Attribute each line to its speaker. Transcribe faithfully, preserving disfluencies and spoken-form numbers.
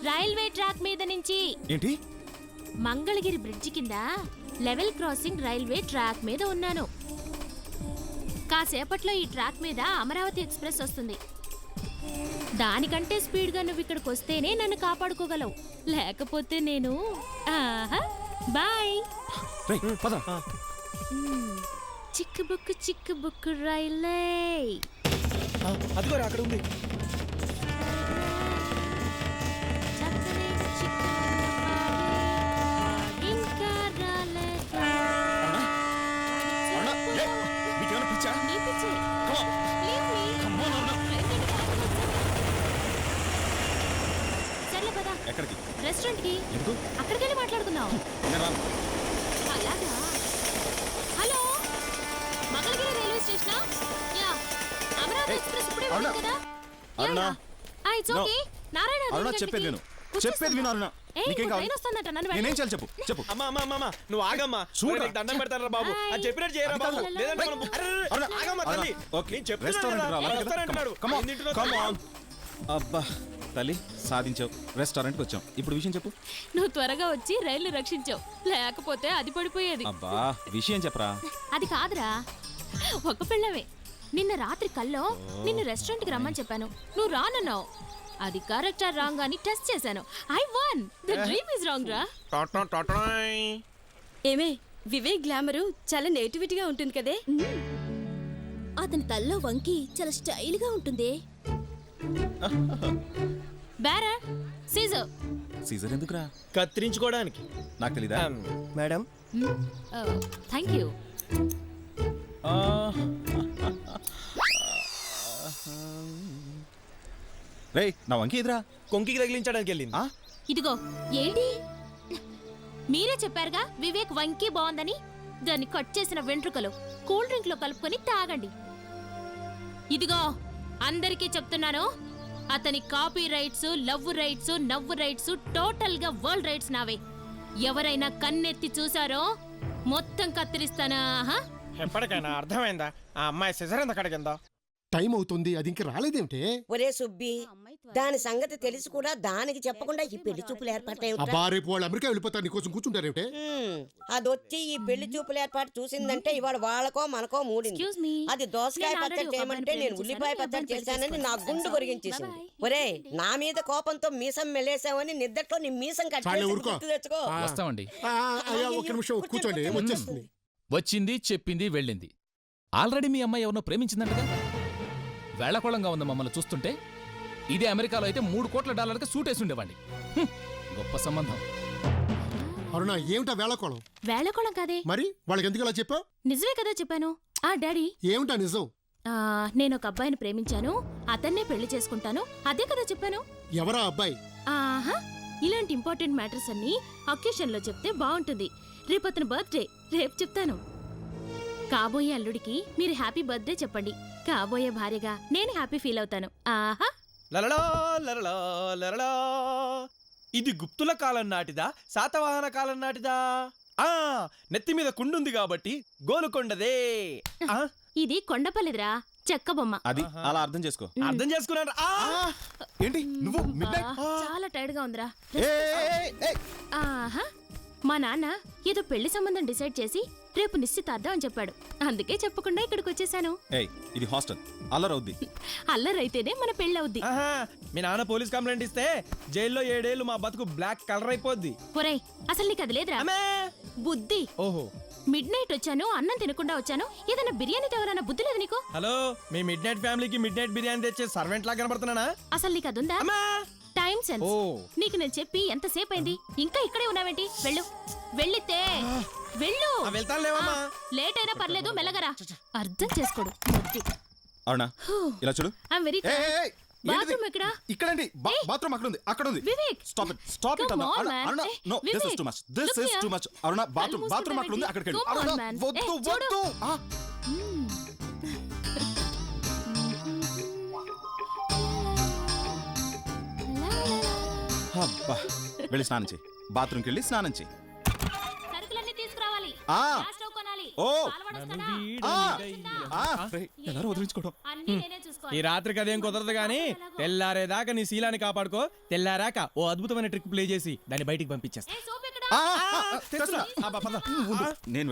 Speaker 1: Railway track మీద నుంచి.
Speaker 2: ఏంటి?
Speaker 1: మంగళగిరి బ్రిడ్జి కింద లెవెల్ క్రాసింగ్ రైల్వే ట్రాక్ మీద ఉన్నాను. కాసేపట్లో ఈ ట్రాక్ మీద అమరావతి ఎక్స్ప్రెస్ వస్తుంది. దానికంటే స్పీడ్గా నువ్వు ఇక్కడికి వస్తేనే నన్ను కాపాడుకోగలవు, లేకపోతే నేను ఆహా బాయ్. చిక్కు బుక్కు చిక్కు బుక్కు రైలే.
Speaker 3: అదిగోరా అక్కడ ఉంది.
Speaker 2: ఎక్కడికి?
Speaker 1: రెస్టారెంట్ కి. అక్కడికి వెళ్ళి మాట్లాడుకుందాం. అలాగా. Hello, Mangalagiri railway station. Yeah, Amaravati express ఇప్పుడే ఉంది కదా.
Speaker 2: అరుణ,
Speaker 1: ఆ ఇట్స్ ఓకే. నారాయణ
Speaker 2: అరుణ చెప్పేది విను. చెప్పేది విను అరుణ. నీకేం కావాలి? నేనేం చేయాలి చెప్పు. చెప్పు.
Speaker 3: అమ్మా అమ్మా అమ్మా నువ్వు ఆగమ్మా. చూడు దండం పెడతారా బాబు. అది చెప్పినట్టు చేయరా బాబు. లేదంటే మనం అరే ఆగమ్మా తల్లి.
Speaker 2: ఓకే, రెస్టారెంట్ రా.
Speaker 3: Restaurant
Speaker 2: come on come on. అబ్బా తల్లి, సాధించావు. రెస్టారెంట్కి వచ్చాం. ఇప్పుడు విషయం చెప్పు.
Speaker 1: నువ్వు త్వరగా వచ్చి రైలు రక్షించావు, లేకపోతే అది పడిపోయేది.
Speaker 2: అబ్బా విషయం చెప్పరా.
Speaker 1: అది కాదురా, ఒక పిల్లవే. నిన్న రాత్రి కల్లో నిన్ను రెస్టారెంట్ కి రమ్మని చెప్పాను, నువ్వు రానన్నావు. అది కరెక్ట్ ఆర్ రాంగ్ అని టెస్ట్ చేశాను. I one. The dream is wrong రా.
Speaker 4: ఏమే, వివేక్ గ్లామరు చాలా నేటివిటీగా ఉంటుంది కదే.
Speaker 5: అతని తల్లో వంకి చాలా స్టైల్ గా ఉంటుంది.
Speaker 1: బేరా సీజర్.
Speaker 2: సీజర్ ఎందుకురా?
Speaker 3: కత్తిరించుకోవడానికి.
Speaker 2: నాకు తెలీదా
Speaker 3: మేడం?
Speaker 1: Thank you.
Speaker 2: రే, నా వంకి ఎదురా.
Speaker 3: కొంకికి తగిలించడానికి వెళ్ళింది.
Speaker 1: ఇదిగో ఏంటి, మీరే చెప్పారుగా వివేక్ వంకి బాగుందని. దాన్ని కట్ చేసిన వెంట్రుకలు కూల్ డ్రింక్ లో కలుపుకొని తాగండి. ఇదిగో అందరికీ చెప్తున్నాను, అతని కాపీ రైట్స్, లవ్ రైట్స్, నవ్వు రైట్స్, టోటల్ గా వరల్డ్ రైట్స్ నావే. ఎవరైనా కన్నెత్తి చూసారో మొత్తం కత్తిరిస్తానా?
Speaker 3: ఎప్పటికైనా అర్థమైందా ఆ అమ్మాయి సిజర్ ఎంత కడిగిందో?
Speaker 6: టైం అవుతుంది, అది ఇంక రాలేదేమిటే?
Speaker 7: ఒరే సుబ్బి, దాని సంగతి తెలిసి కూడా దానికి చెప్పకుండా ఈ పెళ్లి చూపులు ఏర్పాటు.
Speaker 6: అబ్బా, రేపు వాళ్ళు అమెరికా వెళ్ళిపోతారు, నీకోసం కూర్చుంటారేమిటే?
Speaker 7: అదొచ్చి ఈ పెళ్లి చూపులు ఏర్పాటు చూసిందంటే ఇవాళ వాళ్ళకో మనకో మూడింది. అది దోసకాయ పచ్చడి చేయమంటే నేను ఉల్లిపాయ పచ్చడి చేశానని నా గుండు కొరిగించేసింది. ఒరే, నా మీద కోపంతో మీసం మెలేసావని నిద్దట్లో నీ మీసం కట్టి తెచ్చుకో.
Speaker 8: వస్తామండి.
Speaker 6: ఒక్క నిమిషం కూర్చోండి, వచ్చేస్తుంది.
Speaker 8: వచ్చింది, చెప్పింది, వెళ్ళింది. ఆల్రెడీ మీ అమ్మాయి ఎవరినో ప్రేమించిందంటగా. వేళకోళంగా ఉంది మమ్మల్ని చూస్తుంటే. ఇదే అమెరికాలో అయితే మూడు కోట్ల డాలర్కి సూటేసి ఉండేవాడి. గొప్ప సంబంధం.
Speaker 6: అరుణ, ఏమిటా వేళకోళం?
Speaker 1: వేళకోళం కాదే.
Speaker 6: మరి వాళ్ళకి ఎందుకు అలా చెప్పావు?
Speaker 1: నిజమే కదా చెప్పాను. ఆ డాడీ,
Speaker 6: ఏమిటా నిజం?
Speaker 1: నేను ఒక అబ్బాయిని ప్రేమించాను, అతన్నే పెళ్లి చేసుకుంటాను, అదే కదా చెప్పాను.
Speaker 6: ఎవరా అబ్బాయి?
Speaker 1: ఆహా, ఇలాంటి ఇంపార్టెంట్ మ్యాటర్స్ అన్ని అకేషన్ లో చెప్తే బాగుంటుంది. రేపు అతని బర్త్డే, రేపు చెప్తాను. కాబోయే అల్లుడికి మీరు హ్యాపీ బర్త్డే చెప్పండి. కాబోయే భార్యగా నేను హ్యాపీ ఫీల్ అవుతాను. ఆహా.
Speaker 3: లలలా లలలా లలలా. ఇది గుప్తుల కాలం నాటిదా, శాతవాహన కాలం నాటిదా? ఆ నెత్తి మీద కుండుంది కాబట్టి గోలుకొండదే.
Speaker 1: ఇది కొండపల్లిదిరా, చెక్క బొమ్మ.
Speaker 2: అది అలా అర్థం చేసుకో.
Speaker 3: అర్థం చేసుకున్నాడు.
Speaker 2: ఏంటి నువ్వు?
Speaker 1: చాలా టైర్డ్ గా ఉందిరా. ఆహా, మా నాన్న ఏదో పెళ్లి సంబంధం డిసైడ్ చేసి రేపు నిశ్చితార్థం అని చెప్పాడు. అందుకే చెప్పకుండా ఇక్కడికి వచ్చేసాను.
Speaker 2: ఇది హాస్టల్, అల్లరవుద్ది.
Speaker 1: అల్లరైతేనే మన పెళ్లి అవుద్ది.
Speaker 3: మీ నాన్న పోలీస్ కంప్లైంట్ ఇస్తే జైల్లో ఏడేళ్లు మా బతుకు బ్లాక్ కలర్ అయిపోద్ది.
Speaker 1: ఒరేయ్, అసలు నీకు అది లేదురా బుద్ధి.
Speaker 3: ఓహో,
Speaker 1: మిడ్ నైట్ వచ్చాను, అన్నం తినకుండా వచ్చాను. ఏదైనా బిర్యానీ తేవాలన్న బుద్ధి లేదు నీకు?
Speaker 3: హలో, మీ మిడ్ నైట్ ఫ్యామిలీకి మిడ్ నైట్ బిర్యానీ తెచ్చే సర్వెంట్ లా కనబడుతున్నానా?
Speaker 1: అసలు నీకు అదుందా? Time sense. నీకు నేను చెప్పి ఎంతసేపు అయింది, ఇంకా ఇక్కడే ఉన్నావేంటి? వెళ్ళు, వెళ్ళితే వెళ్ళు. లేట్ అయినా పర్లేదు, మెల్లగరా. అర్థం చేసుకోడు.
Speaker 2: అవునా? ఇలా చూడు.
Speaker 1: ఐయామ్ వెరీ బాత్రూమ్ ఎక్కడ?
Speaker 2: ఇక్కడండి. బాత్రూమ్ అక్కడ ఉంది, అక్కడ ఉంది.
Speaker 1: Vivek,
Speaker 2: stop it, stop it అన్న. Aruna, no, this is too much, this is too much. Aruna, bathroom bathroom అక్కడ ఉంది, అక్కడికి వెళ్ళు. అరుణ, వద్దు వద్దు. అబ్బా, వెళ్ళి స్నానం చేయి. బాత్రూమ్కి వెళ్ళి స్నానం చేయి.
Speaker 1: సరుకులన్నీ తీసుకురావాలి. గ్యాస్ స్టవ్ కొనాలి.
Speaker 2: ఓ,
Speaker 1: పాలు వడస్తానా?
Speaker 2: ఎలా వదిలించుకోవడం?
Speaker 1: అన్నీ నేనే చూసుకుంటా.
Speaker 3: ఈ రాత్రికి అదేం కుదరదు గానీ తెల్లారేదాకా నీ శీలాన్ని కాపాడుకో. తెల్లారాక ఓ అద్భుతమైన ట్రిక్ ప్లే చేసి దాన్ని బయటికి పంపించేస్తా.
Speaker 2: ఆ, ఆ, ఆ, తెస్తున్నా.
Speaker 3: ఆ, పద.
Speaker 2: ఉండు, నేను